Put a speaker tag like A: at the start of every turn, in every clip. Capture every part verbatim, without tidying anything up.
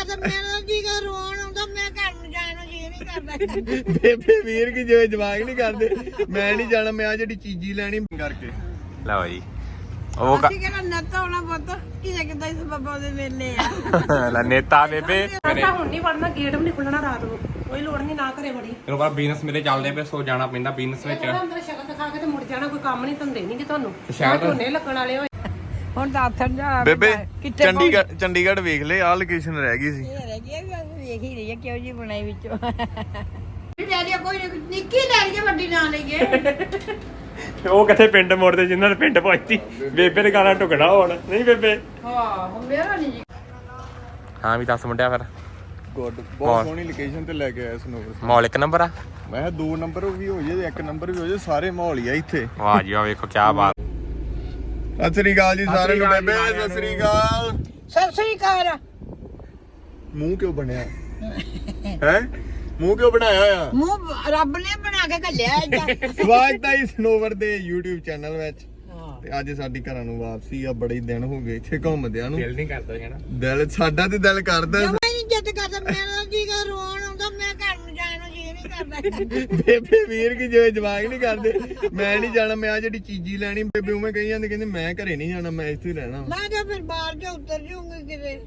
A: ਕਰਦਾ ਮੇਰਾ ਜੀ ਕਰ ਰੋਣ ਆਉਂਦਾ ਮੈਂ ਘਰ ਨੂੰ ਜਾਣ ਨੂੰ ਜੀ ਨਹੀਂ ਕਰਦਾ
B: ਬੇਬੇ ਵੀਰ ਕੀ ਜਿਵੇਂ ਜਵਾਕ ਨਹੀਂ ਕਰਦੇ ਮੈਂ ਨਹੀਂ ਜਾਣਾ ਮੈਂ ਆ ਜਿਹੜੀ ਚੀਜ਼ੀ ਲੈਣੀ ਕਰਕੇ ਲਓ ਜੀ ਉਹ
A: ਅਸੀਂ ਕਿਹੜਾ ਨੱਤਾ ਹੋਣਾ ਪੁੱਤ ਕਿਹਨੇ ਕਿਦਾਂ ਇਸ ਬਾਬਾ ਦੇ ਵੇਲੇ ਆ
B: ਲੈ ਨੇਤਾ ਬੇਬੇ
C: ਅਸਾਂ ਹੁਣ ਨਹੀਂ ਵੜਨਾ ਗੇਟ ਵੀ ਨਹੀਂ ਖੁੱਲਣਾ ਰਾਤ ਨੂੰ ਕੋਈ ਲੋੜ ਨਹੀਂ ਨਾ ਘਰੇ ਵੜੀ
B: ਫਿਰ ਬਾਅਦ ਬਿਜ਼ਨਸ ਮੇਰੇ ਚੱਲਦੇ ਪਏ ਸੋ ਜਾਣਾ ਪੈਂਦਾ ਬਿਜ਼ਨਸ ਵਿੱਚ
C: ਅੰਦਰ ਸ਼ਕਲ ਦਿਖਾ ਕੇ ਤੇ ਮੁੜ ਜਾਣਾ ਕੋਈ ਕੰਮ ਨਹੀਂ ਧੰਦੇ ਨਹੀਂ ਕਿ ਤੁਹਾਨੂੰ
B: ਸ਼ਾਇਦ
C: ਝੋਨੇ ਲੱਗਣ ਵਾਲੇ ਹੋਏ
A: ਹੁਣ ਤਾਂ ਆਥਣ ਜਾ
B: ਬੇਬੇ ਚੰਡੀਗੜ੍ਹ ਚੰਡੀਗੜ੍ਹ ਵੇਖ ਲੈ ਆ ਲੋਕੇਸ਼ਨ ਰਹਿ ਗਈ ਸੀ
A: ਇਹ ਰਹਿ ਗਿਆ ਵੇਖ ਹੀ ਰਹੀ ਹੈ ਕਿਉਂ ਜੀ ਬਣਾਈ ਵਿੱਚੋਂ ਲੈ ਲਿਆ ਕੋਈ ਨਿੱਕੀ ਲੈ ਲਈਏ ਵੱਡੀ ਨਾ ਲਈਏ
B: ਉਹ ਕਿੱਥੇ ਪਿੰਡ ਮੋੜਦੇ ਜਿਨ੍ਹਾਂ ਦੇ ਪਿੰਡ ਪਹੁੰਚੀ ਬੇਬੇ ਦੇ ਗਾਣਾ ਟੁਕੜਾ ਹੋਣ ਨਹੀਂ ਬੇਬੇ
A: ਹਾਂ ਮੇਰਾ ਨਹੀਂ ਜੀ
B: ਹਾਂ ਵੀ ਦੱਸ ਮੁੰਡਿਆ ਫਿਰ
D: ਗੁੱਡ ਬਹੁਤ ਸੋਹਣੀ ਲੋਕੇਸ਼ਨ ਤੇ ਲੈ ਕੇ ਆਇਆ ਸਨੋਵਰ
B: ਮਾਲ ਇੱਕ ਨੰਬਰ ਆ
D: ਮੈਂ ਕਿਹਾ ਦੋ ਨੰਬਰ ਵੀ ਹੋ ਜੇ ਇੱਕ ਨੰਬਰ ਵੀ ਹੋ ਜੇ ਸਾਰੇ ਮਾਹੌਲ ਹੀ ਆ ਇੱਥੇ
B: ਵਾਹ ਜੀ ਵਾਹ ਵੇਖੋ ਕੀ ਬਾਤ ਸਤਿ ਸ੍ਰੀ ਅਕਾਲ ਜੀ ਸਾਰਿਆਂ ਨੂੰ ਬੇਬੇ ਸਤਿ ਸ੍ਰੀ ਅਕਾਲ
A: ਸਤਿ ਸ੍ਰੀ ਅਕਾਲ
D: ਮੂੰਹ ਕਿਉਂ ਬਣਿਆ ਹੈ ਮੂੰਹ ਕਿਉਂ ਬਣਾਇਆ ਹੋਇਆ
A: ਮੂੰਹ ਰੱਬ ਨੇ ਬਣਾ ਕੇ ਘੱਲਿਆ ਏਦਾਂ
B: ਸਵਾਗਤ ਹੈ ਸਨੋਵਰ ਦੇ YouTube ਚੈਨਲ ਵਿੱਚ ਤੇ ਅੱਜ ਸਾਡੀ ਘਰਾਂ ਨੂੰ ਵਾਪਸੀ ਆ ਬੜੇ ਦਿਨ ਹੋ ਗਏ ਇੱਥੇ ਘੁੰਮਦਿਆਂ ਨੂੰ ਦਿਲ ਨਹੀਂ ਕਰਦਾ ਹੈ ਨਾ ਦਿਲ ਸਾਡਾ ਤੇ ਦਿਲ ਕਰਦਾ
A: ਮੈਂ ਨਹੀਂ ਜਿੱਦ ਕਰਦਾ ਮੇਰਾ ਜੀ ਕਰ ਰੋਣ ਆਉਂਦਾ ਮੈਂ ਘਰ ਨੂੰ ਜਾਣ ਨੂੰ ਜੀ ਨਹੀਂ ਕਰਦਾ
B: ਬੇਬੇ ਵੀਰ ਕੀ ਜਿਵੇਂ ਜਵਾਕ ਨਹੀਂ ਕਰਦੇ ਮੈਂ ਨਹੀਂ ਜਾਣਾ ਮੈਂ ਆ ਜਿਹੜੀ ਚੀਜ਼ੀ ਲੈਣੀ ਬੇਬੇ ਉਵੇਂ ਕਹੀ ਜਾਂਦੇ ਕਹਿੰਦੇ ਮੈਂ ਘਰੇ ਨਹੀਂ ਜਾਣਾ ਮੈਂ ਇੱਥੇ ਹੀ ਰਹਿਣਾ
A: ਮੈਂ ਤਾਂ ਫਿਰ ਬਾਹਰ ਜਾ ਉਤਰ ਜਾਊਂਗੀ ਕਿਤੇ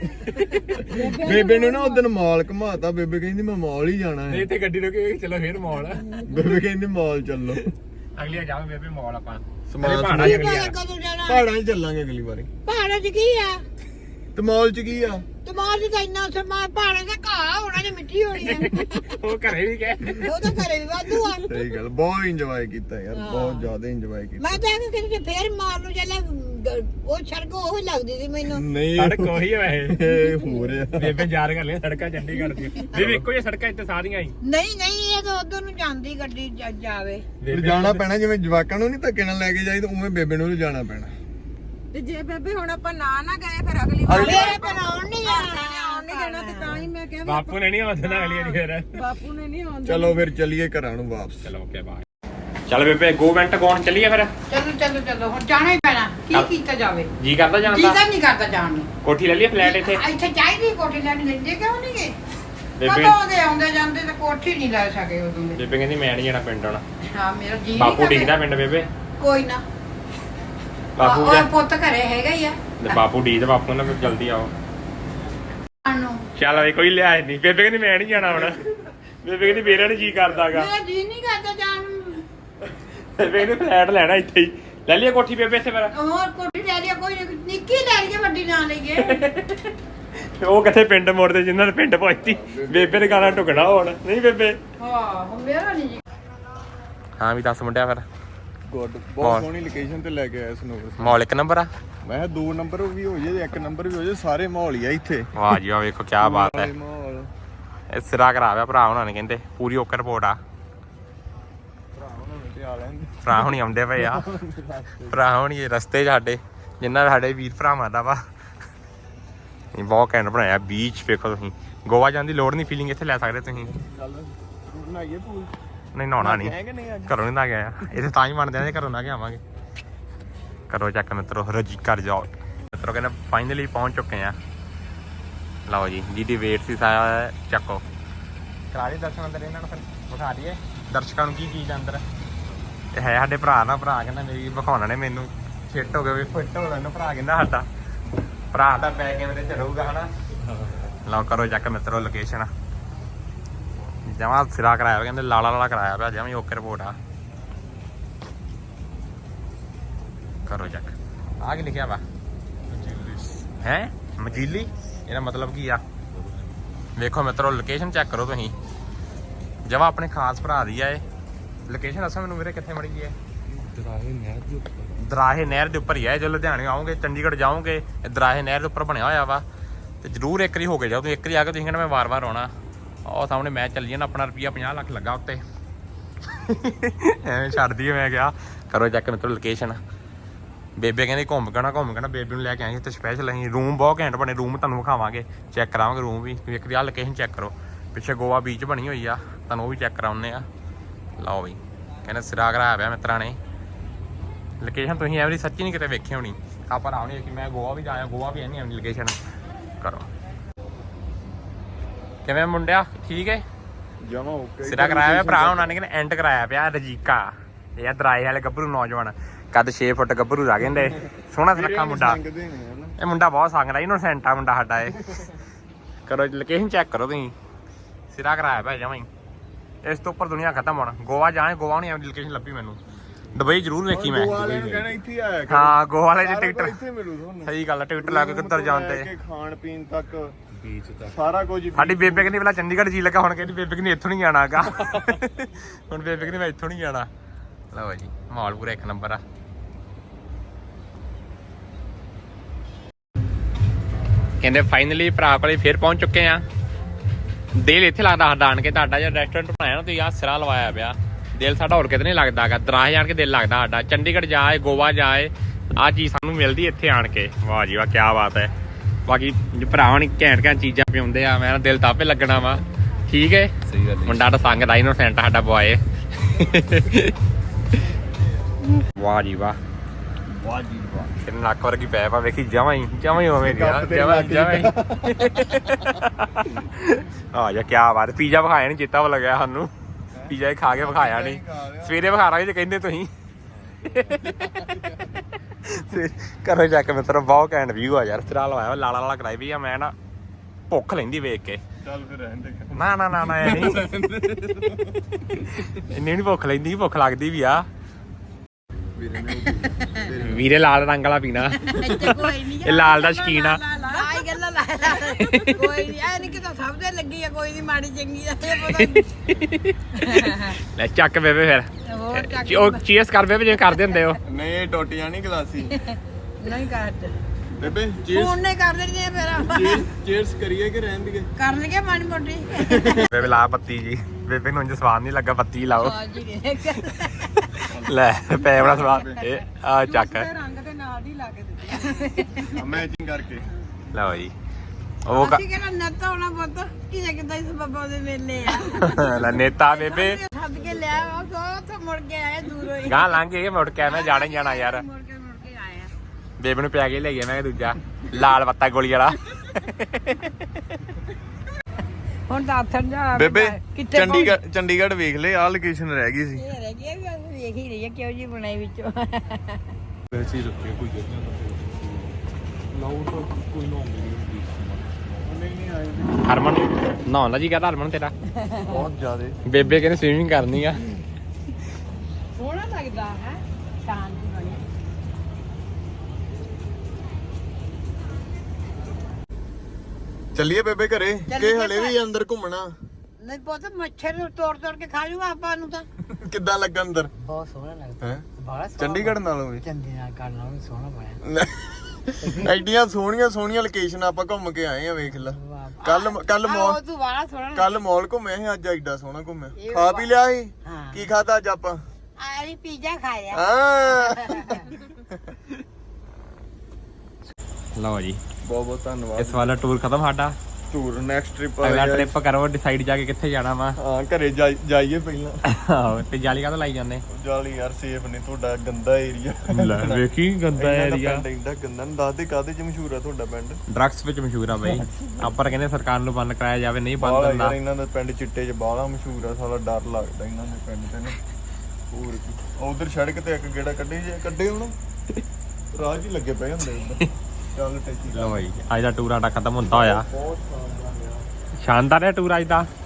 B: ਬੇਬੇ ਨੂੰ ਨਾ ਉਦੋਂ ਮਾਲ ਘਮਾਤਾ ਬੇਬੇ ਕਹਿੰਦੀ ਮੈਂ ਮਾਲ ਹੀ ਜਾਣਾ ਹੈ
E: ਇੱਥੇ ਗੱਡੀ ਰੋਕੇ ਚਲੋ ਫੇਰ ਮਾਲ
B: ਬੇਬੇ ਕਹਿੰਦੀ ਮਾਲ ਚੱਲੋ
E: ਅਗਲੀ ਵਾਰ ਜਾਵਾਂਗੇ ਬੇਬੇ ਮਾਲ ਆਪਾਂ
B: ਸਮਾਨ
E: ਪਹਾੜਾਂ
A: ਕੀ
E: ਅਗਲੀ
A: ਪਤਾ
E: ਵਾਰ
A: ਕਦੋਂ ਜਾਣਾ
B: ਪਹਾੜਾਂ 'ਚ ਚੱਲਾਂਗੇ ਅਗਲੀ ਵਾਰੀ
A: ਪਹਾੜਾਂ 'ਚ ਕੀ ਆ
B: ਤੇ ਮਾਲ 'ਚ ਕੀ ਆ
A: ਦਿਮਾਗ 'ਚ ਤਾਂ ਇੰਨਾ ਸਮਾਂ ਪਹਾੜਾਂ ਦਾ ਘਾਹ ਹੋਣਾ ਨੇ ਮਿੱਟੀ ਹੋਣੀ ਆ
E: ਉਹ ਘਰੇ ਵੀ ਗਏ
A: ਉਹ ਤਾਂ ਘਰੇ ਵੀ ਵਾਧੂ ਆ
B: ਸਹੀ ਗੱਲ ਬਹੁਤ ਇੰਜੋਏ ਕੀਤਾ ਯਾਰ ਬਹੁਤ ਜ਼ਿਆਦਾ ਇੰਜੋਏ ਕੀਤਾ
A: ਮੈਂ ਤਾਂ ਇਹ ਕਿਤੇ ਫੇਰ ਮਾਰ ਨੂੰ ਚੱਲੇ ਉਹ ਸੜਕ ਉਹ ਹੀ ਲੱਗਦੀ ਸੀ ਮੈਨੂੰ
B: ਨਹੀਂ
E: ਸੜਕ ਉਹੀ ਹੈ ਵੈਸੇ
B: ਇਹ ਹੋ ਰਿਹਾ
E: ਬੇਬੇ ਯਾਦ ਕਰ ਲਿਆ ਸੜਕਾਂ ਚੰਡੀਗੜ੍ਹ ਦੀਆਂ ਬੇਬੇ ਇੱਕੋ ਹੀ ਸੜਕਾਂ ਇੱਥੇ ਸਾਰੀਆਂ ਹੀ
A: ਨਹੀਂ ਨਹੀਂ ਇਹ ਤਾਂ ਉਧਰ ਨੂੰ ਜਾਂਦੀ ਗੱਡੀ ਜਾ- ਜਾਵੇ
B: ਫਿਰ ਜਾਣਾ ਪੈਣਾ ਜਿਵੇਂ ਜਵਾਕਾਂ ਨੂੰ ਨਹੀਂ ਧੱਕੇ ਨਾਲ ਲੈ ਕੇ ਜਾਈ ਤਾਂ ਉਵੇਂ ਬੇਬੇ ਨੂੰ ਵੀ ਜਾਣਾ ਪੈਣਾ
A: ਤੇ ਜੇ ਬੇਬੇ ਹੁਣ ਆਪਾਂ ਨਾ ਨਾ ਗਏ ਫਿਰ ਅਗਲੀ ਵਾਰ ਮੇਰੇ ਪਰ ਆਉਣ ਨਹੀਂ ਜਾਣਾ ਆਉਣ ਨਹੀਂ ਜਾਣਾ ਤੇ ਤਾਂ ਹੀ ਮੈਂ ਕਿਹਾ
E: ਬਾਪੂ ਨੇ ਨਹੀਂ ਆਉਂਦਾ ਅਗਲੀ ਵਾਰੀ ਫੇਰ
A: ਬਾਪੂ ਨੇ ਨਹੀਂ ਆਉਂਦਾ
B: ਚਲੋ ਫਿਰ ਚੱਲੀਏ ਘਰਾਂ ਨੂੰ ਵਾਪਸ
E: ਚਲੋ ਓਕੇ ਬਾਏ ਚੱਲ ਬੇਬੇ ਗੋਵੈਂਟ ਕੌਣ ਚੱਲੀਏ ਫਿਰ
A: ਚਲੋ ਚਲੋ ਚਲੋ ਹੁਣ ਜਾਣਾ ਹੀ ਪੈਣਾ ਕੀ ਕੀਤਾ ਜਾਵੇ
E: ਜੀ ਕਰਦਾ ਜਾਣ
A: ਜੀ
E: ਦਾ
A: ਤਾਂ ਨਹੀਂ ਕਰਦਾ ਜਾਣ ਨੂੰ
E: ਕੋਠੀ ਲੈ ਲਈਏ ਫਲੈਟ ਇੱਥੇ
A: ਇੱਥੇ ਚਾਹੀਦੀ ਕੋਠੀ ਲੈਣੀ ਲੈਂਦੇ ਕਿਉਂ ਨਹੀਂ ਗਏ
E: ਬੇਬੇ
A: ਕਦੋਂ ਦੇ ਆਉਂਦੇ ਜਾਂਦੇ ਤੇ ਕੋਠੀ ਨਹੀਂ ਲੈ ਸਕੇ ਉਦੋਂ ਦੇ
E: ਬੇਬੇ ਕਹਿੰਦੀ ਮੈਂ ਨਹੀਂ ਜਾਣਾ ਪਿੰਡ ਹੁਣ
A: ਹਾਂ ਮੇਰਾ ਜੀ
E: ਬਾਪੂ ਡਿੱਗਦਾ ਪਿੰਡ ਬੇਬੇ
A: ਕੋਈ ਨਾ
E: ਬਾਪੂ
A: ਉਹ
E: ਦਾ
A: ਪੁੱਤ ਘਰੇ ਹੈਗਾ ਹੀ ਆ
E: ਤੇ ਬਾਪੂ ਡੀ ਤੇ ਬਾਪੂ ਨਾਲ ਜਲਦੀ ਆਓ
A: ਨੂੰ
E: ਚੱਲ ਵੇ ਕੋਈ ਲਿਆਏ ਨਹੀਂ ਬੇਬੇ ਕਹਿੰਦੀ ਮੈਂ ਨਹੀਂ ਜਾਣਾ ਹੁਣ ਬੇਬੇ ਕਹਿੰਦੀ ਮੇਰਾ ਨਹੀਂ ਜੀ ਕਰਦਾਗਾ
A: ਮੇਰਾ ਜੀ ਨਹੀਂ ਕਰਦਾ ਜਾਣ ਨੂੰ
E: ਬੇਬੇ ਕਹਿੰਦੀ ਫਲੈਟ ਲੈਣਾ ਇੱਥੇ ਹੀ ਲੈ ਲਈਏ ਕੋਠੀ ਬੇਬੇ ਇੱਥੇ ਫਿਰ
A: ਹੋਰ ਕੋਠੀ ਲੈ ਲਿਆ ਕੋਈ ਨੀ, ਨਿੱਕੀ ਲੈ ਲਈਏ ਵੱਡੀ ਨਾ ਲਈਏ
E: ਉਹ ਕਿੱਥੇ ਪਿੰਡ ਮੋੜਦੇ ਜਿਨ੍ਹਾਂ ਦੇ ਪਿੰਡ ਪਹੁੰਚੀ ਬੇਬੇ ਦੇ ਗਾਣਾ ਟੁਕੜਾ ਹੋਣ ਨਹੀਂ ਬੇਬੇ
A: ਹਾਂ ਮੇਰਾ ਨਹੀਂ ਜੀ
B: ਹਾਂ ਵੀ ਦੱਸ ਮੁੰਡਿਆ ਫਿਰ
D: ਗੁੱਡ ਬਹੁਤ ਸੋਹਣੀ ਲੋਕੇਸ਼ਨ ਤੇ ਲੈ ਕੇ ਆਇਆ ਸਨੋਵਰ
B: ਮਾਲ ਇੱਕ ਨੰਬਰ ਆ
D: ਮੈਂ ਕਿਹਾ ਦੋ ਨੰਬਰ ਵੀ ਹੋ ਜੇ ਇੱਕ ਨੰਬਰ ਵੀ ਹੋ ਜੇ ਸਾਰੇ ਮਾਹੌਲ ਹੀ ਆ ਇੱਥੇ
B: ਵਾਹ ਜੀ ਵਾਹ ਵੇਖੋ ਕੀ ਬਾਤ ਹੈ
D: ਮਾਹੌਲ
B: ਇਹ ਸਿਰਾ ਕਰਾਇਆ ਭਰਾ ਉਹਨਾਂ ਨੇ ਕਹਿੰਦੇ ਪੂਰੀ ਓਕੇ ਰਿਪੋਰਟ ਆ
D: ਭਰਾ ਉਹਨਾਂ ਨੂੰ ਤੇ ਆ ਲੈਂਦੇ
B: ਭਰਾ ਹੁਣੀ ਆਉਂਦੇ ਪਏ ਆ ਭਰਾ ਹੁਣੀ ਰਸਤੇ 'ਚ ਸਾਡੇ ਜਿੰਨਾ ਸਾਡੇ ਵੀਰ ਭਰਾਵਾਂ ਦਾ ਵਾ ਇਹ ਬਹੁਤ ਕੈਂਟ ਬਣਾਇਆ ਬੀਚ ਵੇਖੋ ਤੁਸੀਂ ਗੋਆ ਜਾਣ ਦੀ ਲੋੜ ਨਹੀਂ ਫੀਲਿੰਗ ਇੱਥੇ ਲੈ ਸਕਦੇ ਤੁਸੀਂ
D: ਚੱਲ ਬਣਾਈਏ ਪੂਲ
B: ਨਹੀਂ ਨਹਾਉਣਾ ਨਹੀਂ
D: ਹੈ ਕਿ ਨਹੀਂ ਅੱਜ
B: ਘਰੋਂ ਨਹੀਂ ਨਾ ਗਿਆ ਇੱਥੇ ਤਾਂ ਹੀ ਬਣਦੇ ਆ ਘਰੋਂ ਨਾ ਕੇ ਆਵਾਂਗੇ ਕਰੋ ਚੱਕ ਮਿੱਤਰੋ ਰਜੀ ਕਰ ਜਾਓ ਮਿੱਤਰੋ ਕਹਿੰਦੇ ਫਾਈਨਲੀ ਪਹੁੰਚ ਚੁੱਕੇ ਆ ਲਓ ਜੀ ਜਿਹਦੀ ਵੇਟ ਸੀ ਸਾਰਾ ਚੱਕੋ ਕਰਾ ਲਈ ਦਰਸ਼ਨ ਅੰਦਰ ਇਹਨਾਂ ਨੂੰ ਫਿਰ ਵਿਖਾ ਦਈਏ ਦਰਸ਼ਕਾਂ ਨੂੰ ਕੀ ਚੀਜ਼ ਅੰਦਰ ਇਹ ਹੈ ਸਾਡੇ ਭਰਾ ਨਾ ਭਰਾ ਕਹਿੰਦਾ ਮੇਰੀ ਵਿਖਾਉਣਾ ਨੇ ਮੈਨੂੰ ਫਿੱਟ ਹੋ ਗਏ ਵੀ ਫਿੱਟ ਹੋ ਗਏ ਨੂੰ ਭਰਾ ਕਹਿੰਦਾ ਸਾਡਾ ਭਰਾ ਦਾ ਬੈਕ ਕੈਮਰੇ ਚ ਰਹੂਗਾ ਹਨਾ ਲਓ ਕਰੋ ਚੱਕ ਮਿੱਤਰੋ ਲੋਕੇਸ਼ਨ ਜਮਾ ਸਿਰਾ ਕਰਾਇਆ ਕਹਿੰਦੇ ਲਾਲਾ ਲਾਲਾ ਕਰਾਇਆ ਪਿਆ ਜਮਾ ਓਕੇ ਰਿਪੋਰਟ ਆ ਕਰੋ ਚੱਕ ਆ ਕੀ ਲਿਖਿਆ ਵਾ ਹੈ ਮਜੀਲੀ ਇਹਦਾ ਮਤਲਬ ਕੀ ਆ ਵੇਖੋ ਮਿੱਤਰੋ ਲੋਕੇਸ਼ਨ ਚੈੱਕ ਕਰੋ ਤੁਸੀਂ ਜਮਾ ਆਪਣੇ ਖਾਸ ਭਰਾ ਦੀ ਆ ਇਹ ਲੋਕੇਸ਼ਨ ਦੱਸੋ ਮੈਨੂੰ ਵੀਰੇ ਕਿੱਥੇ ਮੜੀ ਹੈ ਦਰਾਹੇ ਨਹਿਰ ਦੇ ਉੱਪਰ ਦਰਾਹੇ ਨਹਿਰ ਦੇ ਉੱਪਰ ਹੀ ਹੈ ਜੇ ਲੁਧਿਆਣੇ ਆਓਗੇ ਚੰਡੀਗੜ੍ਹ ਜਾਓਗੇ ਇਹ ਦਰਾਹੇ ਨਹਿਰ ਦੇ ਉੱਪਰ ਬਣਿਆ ਹੋਇਆ ਵਾ ਤੇ ਜ਼ਰੂਰ ਇੱਕ ਵਾਰੀ ਹੋ ਕੇ ਜਾਓ ਤੁਸੀਂ ਇੱਕ ਵਾਰੀ ਆ ਕੇ ਤੁਸੀਂ ਕਹਿੰਦੇ ਮੈਂ ਵਾਰ ਵਾਰ ਆਉਣਾ ਉਹ ਸਾਹਮਣੇ ਮੈਂ ਚੱਲੀ ਜਾਣਾ ਆਪਣਾ ਰੁਪਈਆ ਪੰਜਾਹ ਲੱਖ ਲੱਗਾ ਉੱਤੇ ਐਵੇਂ ਛੱਡ ਦਈਏ ਮੈਂ ਕਿਹਾ ਕਰੋ ਚੈੱਕ ਮਿੱਤਰੋ ਲੋਕੇਸ਼ਨ ਬੇਬੇ ਕਹਿੰਦੀ ਘੁੰਮ ਕੇ ਨਾ ਘੁੰਮ ਕੇ ਨਾ ਬੇਬੇ ਨੂੰ ਲੈ ਕੇ ਆਏ ਇੱਥੇ ਸਪੈਸ਼ਲ ਅਸੀਂ ਰੂਮ ਬਹੁਤ ਘੈਂਟ ਬਣੇ ਰੂਮ ਤੁਹਾਨੂੰ ਵਿਖਾਵਾਂਗੇ ਚੈੱਕ ਕਰਾਵਾਂਗੇ ਰੂਮ ਵੀ ਤੁਸੀਂ ਇੱਕ ਵਾਰੀ ਆਹ ਲੋਕੇਸ਼ਨ ਚੈੱਕ ਕਰੋ ਪਿੱਛੇ ਗੋਆ ਬੀਚ ਬਣੀ ਹੋਈ ਆ ਤੁਹਾਨੂੰ ਉਹ ਵੀ ਚੈੱਕ ਕਰਾਉਂਦੇ ਆ ਲਓ ਬਈ ਕਹਿੰਦੇ ਸਿਰਾ ਕਰਾਇਆ ਪਿਆ ਮਿੱਤਰਾਂ ਨੇ ਲੋਕੇਸ਼ਨ ਤੁਸੀਂ ਐਵਰੀ ਸੱਚੀ ਨਹੀਂ ਕਿਤੇ ਵੇਖੀ ਹੋਣੀ ਆਪਾਂ ਆਉਣੀ ਕਿ ਮੈਂ ਗੋਆ ਵੀ ਜਾਇਆ ਗੋਆ ਵੀ ਐਨੀ ਐਵਰੀ ਲੋਕੇਸ਼ਨ ਕਰੋ ਕਿਵੇਂ ਮੁੰਡਿਆ ਠੀਕ ਹੈ
D: ਜਮਾ ਓਕੇ
B: ਸਿਰਾ ਕਰਾਇਆ ਪਿਆ ਭਰਾ ਉਹਨਾਂ ਨੇ ਕਹਿੰਦੇ ਐਂਡ ਕਰਾਇਆ ਪਿਆ ਰਜੀਕਾ ਇਹ ਆ ਦਰਾਏ ਵਾਲੇ ਗੱਭਰੂ ਨੌਜਵਾਨ ਕੱਦ ਛੇ ਫੁੱਟ ਗੱਭਰੂ ਆ ਕਹਿੰਦੇ ਸੋਹਣਾ ਸੁਨੱਖਾ ਮੁੰਡਾ ਇਹ ਮੁੰਡਾ ਬਹੁਤ ਸੰਗਦਾ ਇਨੋਸੈਂਟ ਆ ਮੁੰਡਾ ਸਾਡਾ ਇਹ ਕਰੋ ਲੋਕੇਸ਼ਨ ਚੈੱਕ ਕਰੋ ਤੁਸੀਂ ਸਿਰਾ ਕਰਾਇਆ ਪਿਆ ਜਮਾਂ ਹੀ ਇਸ ਤੋਂ ਉੱਪਰ ਦੁਨੀਆ ਖਤਮ ਹੋਣਾ ਗੋਆ ਜਾਏ ਗੋਆ ਨਹੀਂ ਐਵੇਂ ਲੋਕੇਸ਼ਨ ਲੱਭੀ ਮੈਨੂੰ ਦੁਬਈ ਜ਼ਰੂਰ ਵੇਖੀ ਮੈਂ
D: ਕਹਿਣਾ ਇੱਥੇ ਆਇਆ
B: ਹਾਂ ਗੋਆ ਵਾਲੇ ਦੀ ਟਿਕਟ
D: ਇੱਥੇ ਮਿਲੂ ਤੁਹਾਨੂੰ
B: ਸਹੀ ਗੱਲ ਆ ਟਿਕਟ ਲਾ ਕੇ ਕਿੱਧਰ ਜਾਂਦੇ
D: ਖਾਣ ਪੀਣ ਤੱਕ ਬੀਚ ਤੱਕ ਸਾਰਾ ਕੁਝ
B: ਸਾਡੀ ਬੇਬੇ ਕਹਿੰਦੀ ਪਹਿਲਾਂ ਚੰਡੀਗੜ੍ਹ ਜੀ ਲੱਗਾ ਹੁਣ ਕਹਿੰਦੀ ਬੇਬੇ ਕਹਿੰਦੀ ਇੱਥੋਂ ਨਹੀਂ ਜਾਣਾਗਾ ਹੁਣ ਬੇਬੇ ਕਹਿੰਦੀ ਮੈਂ ਇੱਥੋਂ ਨਹੀਂ ਜਾਣਾ ਲਓ ਜੀ ਮਾਹੌਲ ਪੂਰਾ ਇੱਕ ਨੰਬਰ ਆ ਕਹਿੰਦੇ ਫਾਈਨਲੀ ਭਰਾ ਕੋਲੇ ਫੇਰ ਪਹੁੰਚ ਚੁੱਕੇ ਆ ਦਿਲ ਇੱਥੇ ਲੱਗਦਾ ਸਾਡਾ ਆਣ ਕੇ ਤੁਹਾਡਾ ਜਿਹੜਾ ਰੈਸਟੋਰੈਂਟ ਬਣਾਇਆ ਨਾ ਤੁਸੀਂ ਆਹ ਸਿਰਾ ਲਵਾਇਆ ਪਿਆ ਦਿਲ ਸਾਡਾ ਹੋਰ ਕਿਤੇ ਨਹੀਂ ਲੱਗਦਾਗਾ ਦਰਾਹ ਜਾਣ ਕੇ ਦਿਲ ਲੱਗਦਾ ਸਾਡਾ ਚੰਡੀਗੜ੍ਹ ਜਾਏ ਗੋਆ ਜਾਏ ਆਹ ਚੀਜ਼ ਸਾਨੂੰ ਮਿਲਦੀ ਇੱਥੇ ਆਣ ਕੇ ਵਾਹ ਜੀ ਵਾਹ ਕੀ ਬਾਤ ਹੈ ਬਾਕੀ ਭਰਾਵਾਂ ਨੇ ਘੈਂਟ ਘੈਂਟ ਚੀਜ਼ਾਂ ਪਿਆਉਂਦੇ ਆ ਮੇਰਾ ਦਿਲ ਤਾਂ ਆਪੇ ਲੱਗਣਾ ਵਾ ਠੀਕ ਹੈ ਸਹੀ ਗੱਲ ਮੁੰਡਾ ਤਾਂ ਸੰਗ ਦਾ ਇਨੋਸੈਂਟ ਸਾਡਾ ਬੁਆਏ ਵਾਹ ਜੀ ਵਾਹ
D: ਵਾਹ ਜੀ ਵਾਹ
B: ਕਿੰਨਾ ਨੱਕ ਵਰਗੀ ਪੈ ਪਾ ਵੇਖੀ ਜਮਾਂ ਹੀ ਜਮਾਂ ਹੀ ਹੋਵੇਂ ਗਿਆ ਜਮਾਂ ਜਮਾਂ ਹੀ ਆ ਜਾ ਕੀ ਬਾਤ ਪੀਜ਼ਾ ਵਿਖਾਇਆ ਨਹੀਂ ਚੇਤਾ ਭੁੱਲ ਗਿਆ ਸਾਨੂੰ ਪੀਜ਼ਾ ਹੀ ਖਾ ਕੇ ਵਿਖਾਇਆ ਨਹੀਂ ਸਵੇਰੇ ਵਿਖਾ ਲਾਂਗੇ ਜੇ ਕਹਿੰਦੇ ਤੁਸੀਂ ਕਰੋ ਚੱਕ ਮਿੱਤਰੋ ਬਹੁਤ ਘੈਂਟ ਵਿਊ ਆ ਯਾਰ ਸਿਰਾ ਲਵਾਇਆ ਲਾਲਾ ਲਾਲਾ ਕਰਾਈ ਵੀ ਆ ਮੈਂ ਨਾ ਭੁੱਖ ਲੈਂਦੀ ਵੇਖ ਕੇ
D: ਚੱਲ ਫਿਰ ਰਹਿਣ ਦੇ
B: ਨਾ ਨਾ ਨਾ ਨਾ ਇਹ ਨਹੀਂ ਇੰਨੀ ਨਹੀਂ ਭੁੱਖ ਲੈਂਦੀ ਭੁੱਖ ਲੱਗਦੀ ਵੀ ਆ ਵੀਰੇ ਲਾਲ ਰੰਗ ਵਾਲਾ ਪੀਣਾ ਇਹ ਲਾਲ ਦਾ ਸ਼ਕੀਨ ਆ
A: ਆਈ ਗੱਲਾਂ ਲਾ ਕੋਈ ਨਹੀਂ ਐ ਨਹੀਂ ਕਿ ਤਾਂ ਸਭ ਦੇ ਲੱਗੀ ਆ ਕੋਈ ਨਹੀਂ ਮਾੜੀ ਚੰਗੀ ਆ ਪਤਾ
B: ਲੈ ਚੱਕ ਬੇਬੇ ਫਿਰ
A: ਹੋਰ ਚੱਕ
B: ਉਹ ਚੀਅਰਸ ਕਰ ਬੇਬੇ ਜਿਵੇਂ ਕਰਦੇ ਹੁੰਦੇ ਹੋ
D: ਨਹੀਂ ਇਹ ਟੋਟੀਆਂ ਨਹੀਂ ਗਲਾਸੀ
A: ਨਹੀਂ ਕਰਦੇ
D: ਬੇਬੇ
A: ਫੋਨ
D: ਚੀਅਰਸ
A: ਨਹੀਂ ਕਰ ਦਿੰਦੇ ਫਿਰ
D: ਚੀਅਰਸ ਕਰੀਏ ਕਿ ਰਹਿਣ ਦੀਏ
A: ਕਰ ਲਈਏ ਮਾੜੀ ਮੋਟੀ
B: ਬੇਬੇ ਲਾ ਬੱਤੀ ਜੀ ਬੇਬੇ ਨੂੰ ਇੰਜ ਸਵਾਦ ਨਹੀਂ ਲੱਗਾ ਬੱਤੀ ਲਾਓ
A: ਹਾਂ ਜੀ
B: ਲੈ ਪੈ ਬੜਾ ਸਵਾਦ ਇਹ ਆ ਚੱਕ
A: ਰੰਗ ਦੇ ਨਾਲ ਹੀ ਲਾ ਕੇ ਦਿੱਤੀ
D: ਮੈਚਿੰਗ ਕਰਕੇ
B: ਲਓ ਜੀ ਉਹ
A: ਅਸੀਂ ਕਿਹੜਾ ਨੱਤਾ ਹੋਣਾ ਪੁੱਤ ਕਿਹਦੇ ਕਿਦਾਂ ਇਸ ਬੱਬਾ ਦੇ ਮੇਲੇ ਆ
B: ਲੈ ਨੇਤਾ ਬੇਬੇ
A: ਸੱਦ ਕੇ ਲਿਆ ਉਹ ਉੱਥੇ ਮੁੜ ਕੇ ਆਏ ਦੂਰੋਂ ਹੀ
B: ਗਾਂ ਲੰਘ ਕੇ ਮੁੜ ਕੇ ਮੈਂ ਜਾਣਾ ਹੀ ਜਾਣਾ ਯਾਰ
A: ਮੁੜ ਕੇ ਮੁੜ ਕੇ ਆਇਆ
B: ਬੇਬੇ ਨੂੰ ਪਿਆ ਕੇ ਲੈ ਗਿਆ ਮੈਂ ਕਿਹਾ ਦੂਜਾ ਲਾਲ ਪੱਤਾ ਗੋਲੀ ਵਾਲਾ
A: ਹੁਣ ਤਾਂ ਆਥਣ ਜਾ
D: ਬੇਬੇ
A: ਕਿੱਥੇ
D: ਚੰਡੀਗੜ੍ਹ ਚੰਡੀਗੜ੍ਹ ਵੇਖ ਲੈ ਆ ਲੋਕੇਸ਼ਨ ਰਹਿ ਗਈ ਸੀ
A: ਇਹ ਰਹਿ ਗਿਆ ਵੀ ਅਸੀਂ ਵੇਖ ਹੀ ਰਹੀ ਆ ਕਿਉਂ ਜੀ ਬਣਾਈ ਵਿੱਚੋਂ
D: ਵੈਸੇ ਹੀ ਰੱਖੇ ਕੋਈ ਲਾਉ ਤਾਂ ਕੋਈ ਨਾ ਨਹੀਂ ਨਹੀਂ ਆਏ
B: ਹਰਮਨ ਨਹਾਉਣ ਦਾ ਜੀ ਕਹਦਾ ਹਰਮਨ ਤੇਰਾ
D: ਬਹੁਤ ਜ਼ਿਆਦੇ
B: ਬੇਬੇ ਕਹਿੰਦੇ ਸਵੀਮਿੰਗ ਕਰਨੀ ਆ
A: ਸੋਹਣਾ ਲੱਗਦਾ ਹੈ ਸ਼ਾਂਤੀ ਬਣੀ
D: ਚੱਲੀਏ ਬੇਬੇ ਘਰੇ ਕਿ ਹਲੇ ਵੀ ਅੰਦਰ ਘੁੰਮਣਾ
A: ਨਹੀਂ ਪੁੱਤ ਮੱਛਰ ਨੂੰ ਤੋੜ ਤੋੜ ਕੇ ਖਾ ਜੂਗਾ ਆਪਾਂ ਨੂੰ ਤਾਂ
D: ਕਿੱਦਾਂ ਲੱਗਾ ਅੰਦਰ
A: ਬਹੁਤ ਸੋਹਣਾ ਲੱਗਦਾ
D: ਹੈ
A: ਬੜਾ
D: ਚੰਡੀਗੜ੍ਹ ਨਾਲੋਂ ਵੀ
A: ਚੰਡੀਗੜ੍ਹ ਕਰਨਾ ਵੀ ਸੋਹਣਾ ਬਣਿਆ
D: ਐਡੀਆਂ ਸੋਹਣੀਆਂ ਸੋਹਣੀਆਂ ਲੋਕੇਸ਼ਨ ਆਪਾਂ ਘੁੰਮ ਕੇ ਆਏ ਆ ਵੇਖ ਲੈ ਕੱਲ ਕੱਲ
A: ਉਹ
D: ਮੌਲ
A: ਤੂੰ ਬੜਾ ਸੋਹਣਾ
D: ਕੱਲ ਮੌਲ ਘੁੰਮੇ ਸੀ ਅੱਜ ਐਡਾ ਸੋਹਣਾ ਘੁੰਮਿਆ ਖਾ ਪੀ ਲਿਆ ਸੀ
A: ਹਾਂ
D: ਕੀ ਖਾਦਾ ਅੱਜ ਆਪਾਂ
A: ਆਰੀ ਪੀਜ਼ਾ ਖਾਇਆ
D: ਹਾਂ
B: ਲਓ ਜੀ
D: ਬਹੁਤ ਬਹੁਤ ਧੰਨਵਾਦ
B: ਇਸ ਵਾਲਾ ਟੂਰ ਖਤਮ ਸਾਡਾ
D: ਟੂਰ ਨੈਕਸਟ ਟ੍ਰਿਪ
B: ਅਗਲਾ ਟ੍ਰਿਪ ਕਰੋ ਡਿਸਾਈਡ ਜਾ ਕੇ ਕਿੱਥੇ ਜਾਣਾ ਵਾ
D: ਹਾਂ ਘਰੇ ਜਾਈ- ਜਾਈਏ ਪਹਿਲਾਂ
B: ਆਹੋ ਤੇ ਜਾਲੀ ਕਾਹਤੋਂ ਲਾਈ ਜਾਂਦੇ
D: ਜਾਲੀ ਯਾਰ ਸੇਫ ਨਹੀਂ ਤੁਹਾਡਾ ਗੰਦਾ ਏਰੀਆ
B: ਲੈ ਵੇਖੀ ਗੰਦਾ ਏਰੀਆ
D: ਪਿੰਡ ਇੰਦਾ ਗੰਦਾ ਨੂੰ ਦੱਸ ਦੇ ਕਾਹਦੇ ਚ ਮਸ਼ਹੂਰ ਆ ਤੁਹਾਡਾ ਪਿੰਡ
B: ਡਰੱਗਸ ਵਿੱਚ ਮਸ਼ਹੂਰ ਆ ਬਾਈ ਆਪਾਂ ਕਹਿੰਦੇ ਸਰਕਾਰ ਨੂੰ ਬੰਦ ਕਰਾਇਆ ਜਾਵੇ ਨਹੀਂ ਬੰਦ
D: ਬਾਹਲਾ
B: ਹੁੰਦਾ
D: ਯਾਰ ਇਹਨਾਂ ਦਾ ਪਿੰਡ ਚਿੱਟੇ ਚ ਬਾਹਲਾ ਮਸ਼ਹੂਰ ਆ ਸਾਲਾ ਡਰ ਲੱਗਦਾ ਇਹਨਾਂ ਦੇ ਪਿੰਡ ਤੇ ਨਾ ਹੋਰ ਕੀ ਉਧਰ ਸੜਕ ਤੇ ਇੱਕ ਗੇੜਾ ਕੱਢੇ ਜੇ ਕੱਢੇ ਹੁਣ ਰਾਹ ਹੀ ਲੱਗੇ ਪਏ ਹੁੰਦੇ ਉੱਧਰ ਚੱਲ ਟੈਚੀ
B: ਲਓ ਬਾਈ ਅੱਜ ਦਾ ਟੂਰ ਸਾਡਾ ਖਤਮ ਹੁੰਦਾ ਹੋਇਆ
D: ਬਹੁਤ ਸ਼ਾਨਦਾਰ ਰਿਹਾ
B: ਸ਼ਾਨਦਾਰ ਹੈ ਟੂਰ ਅੱਜ ਦਾ